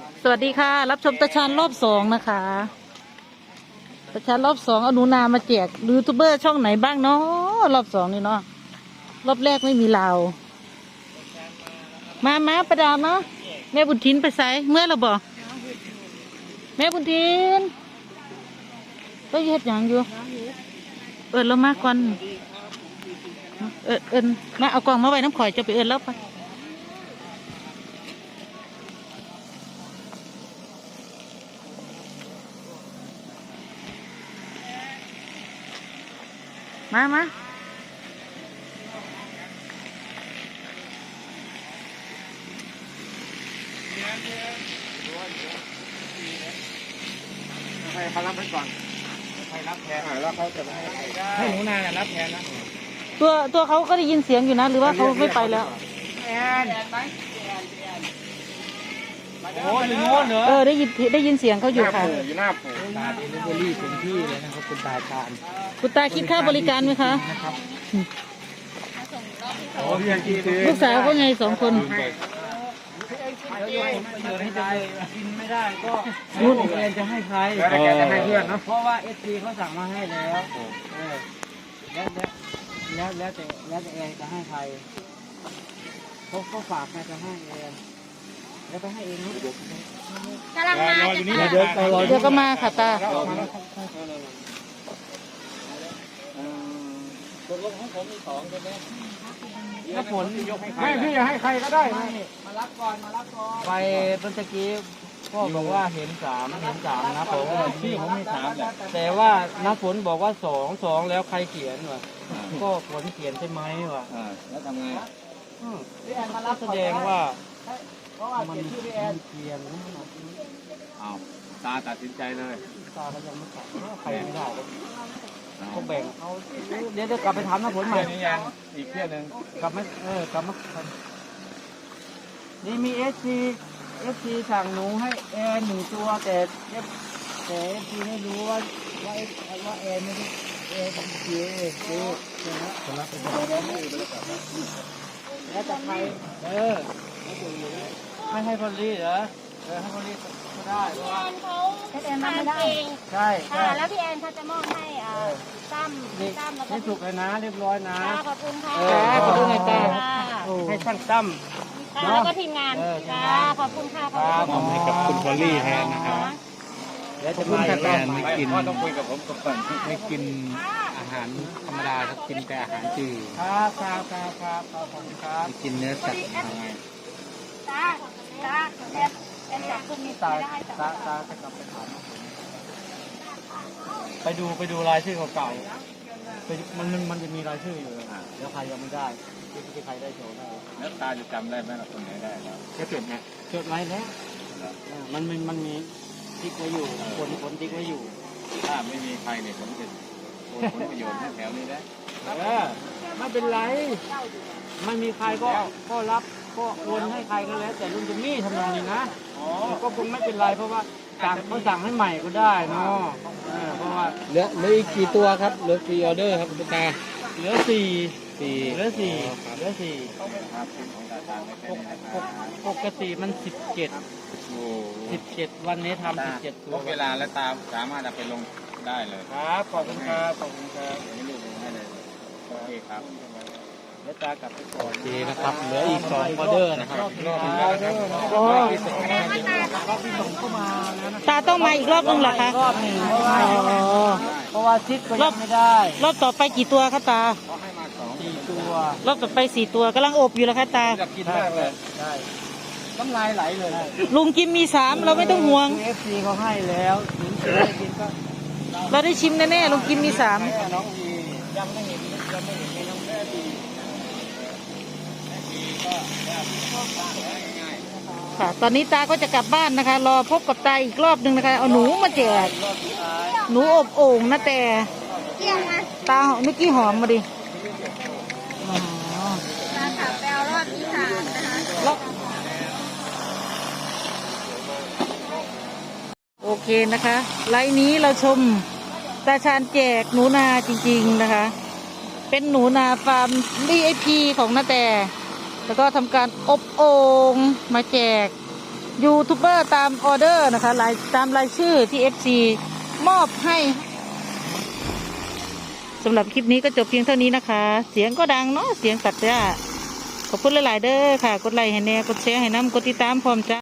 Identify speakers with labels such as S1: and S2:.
S1: สวัสดีค่ะรับชมตาชาญรอบสองนะคะตาชาญรอบสองเอาหนูนามาแจกยูทูบเบอร์ช่องไหนบ้างเนาะรอบสองนี่เนาะรอบแรกไม่มีเรามาประดามเนาะแม่บุญทินไปใส่เมื่อเราบอกแม่บุญทินก็เฮ็ดอย่างอยู่เรามาก่อนมาเอากล่องมาไว้น้ำข่อยจะไปแล้วไปมา
S2: ให้เขารับไปก่อนให้รับแทนแล้วเขาจะให้หนูนารับแทนนะ
S1: ตัวเขาก็ได้ยินเสียงอยู่นะหรือว่าเขาไม่ไปแล้ว
S2: แอนโอ้ยโง่เหรอ
S1: ได้ยินเสียงเขาอยู่ค่ะ
S2: อยู่หน้าปู่ตาดีลิเวอรี่เต็มที่เลยนะครับคุณตาชาญ
S1: คุณตาคิดค่าบริการไหมคะ
S2: โอ้ยยังกิน
S1: ลูกสาวก็ไง2 คน
S2: กินไม่ได้ก็นู่นแอนจะให้ใครแกจะให้เพื่อนเนาะเพราะว่าเอสซีเขาสั่งมาให้แล้วแล้วแต่แอนจะให้ใครเขาฝากแกจะให้แอนแล้วไปให้เองนะ
S3: กำลังมาจะ
S1: เดี๋ยวก็มาค่ะตา
S2: ตกลงของผมมี2ใช่ไหมถ้าผลไม่พี่จะให้ใครก็ได้มารับก่อนไปเมื่อกี้พ่อบอกว่าเห็น3นะผมพี่ผมไม่3แหละแต่ว่าน้าฝนบอกว่า2แล้วใครเขียนวะก็ฝนเขียนใช่ไหมวะแล้วทำไงแสดงว่ามันเขียนเอาตาตัดสินใจเลยตาก็ยังไม่ตัดใครไม่ได้ก็แบ่งเอาเดี๋ยวกลับไปถามน้าฝนใหม่นี่ยังอีกเที่ยวนึงกลับมานี่มีเอฟซีสั่งหนูให้แอน1 ตัวแต่เอฟซีไม่รู้ว่าแอนไม่ได้แอนเป็นเจ๊นะคนละเป็นแล้วจะใครไม่ให้พอลี่เหรอให้พอลี่ก็ได้
S3: พี่แอนเขา
S1: แอนไม่ได้
S3: ใช่แล้วพี่แอนเขาจะมอบให้ตั้มแล้วก็
S2: สุกเลยนะเรียบร้อยนะ
S3: ขอบคุณค่ะ
S1: ขอบคุณนายตา
S2: ให้ช่างตั้ม
S3: แล้วก็ทีมงานขอบคุณค่ะขอบคุณ
S2: ให้กับคุณพอลลี่แทนนะครับแล้วจะมาแทนไม่กินต้องคุยกับผมก่อนไม่กินอาหารธรรมดาครับกินแต่อาหารจืดครับขอบคุณครับกินเนื้อสัตว์อะไร
S3: แอนจากคุณมี
S2: ตาจะกลับไปถามไปดูรายชื่อเก่าๆมันจะมีรายชื่ออยู่แล้วใครยังไม่ได้ที่ใครได้โชว์ได้แล้วตาจะจำได้ไหมล่ะคนไหนได้แล้วก็จดไงจดไว้แล้วมันมีติ๊กไว้อยู่คนติ๊กไว้อยู่ถ้าไม่มีใครเนี่ยผมจะผลประโยชน์แถวนี้ได้ไม่เป็นไรไม่มีใครก็รับก็โอนให้ใครก็แล้วแต่ลุงจะมีทำนองนี้นะก็คงไม่เป็นไรเพราะว่าเขาสั่งให้ใหม่ก็ได้เนาะเพราะว่าเหลืออีกกี่ตัวครับเหลือกี่ออเดอร์ครับคุณตาเหลือ4ปกติมัน17วันนี้ทำ17ตัวเวลาและตามสามารถเอาไปลงได้เลยครับขอบคุณครับให้ลูกลงให้เลยโอเคครับแล้วตากลับไปก่อนดีนะครับเหลืออีก2ออเดอร์นะครับรอบนึง
S1: ตาต้องมาอีกรอบนึงเหรอคะ
S2: รอบนึงเพราะว่าชิดก็ยังไม่ได้
S1: รอบต่อไปกี่ตัวคะตา
S2: 4 ตัว
S1: รอบต่อไป4 ตัวกำลังอบอยู่แล้วคะตา
S2: อยากกินมากเลยใช่น้ำลายไหลเลย
S1: ลุงกินมี3เราไม่ต้องห่วง
S2: FC เขาให้แล้วถึงจะได้กินก็
S1: เราได้ชิมแน่ๆลุงกินมี3
S2: น้องดียังไม่เห็นมีน้องแม่ดี
S1: ค่ะตอนนี้ตาก็จะกลับบ้านนะคะรอพบกับตาอีกรอบนึงนะคะเอาหนูมาแจกหนูอบโอ่งนะแต่ตาเมื่อกี้หอมมาดิ
S3: ตาขับแปลรอบที่3นะคะ
S1: โอเคนะคะไลน์นี้เราชมตาชาญแจกหนูนาจริงๆนะคะเป็นหนูนาฟาร์ม VIP ของนาแต่แล้วก็ทำการอบโอ่งมาแจกยูทูบเบอร์ตามออเดอร์นะคะตามรายชื่อที่ FC มอบให้สำหรับคลิปนี้ก็จบเพียงเท่านี้นะคะ เสียงก็ดังเนาะเสียงตัดหญ้าขอบคุณหลายๆเด้อค่ะกดไลค์ให้แน่กดแชร์ให้น้ำกดติดตามพร้อมจ้า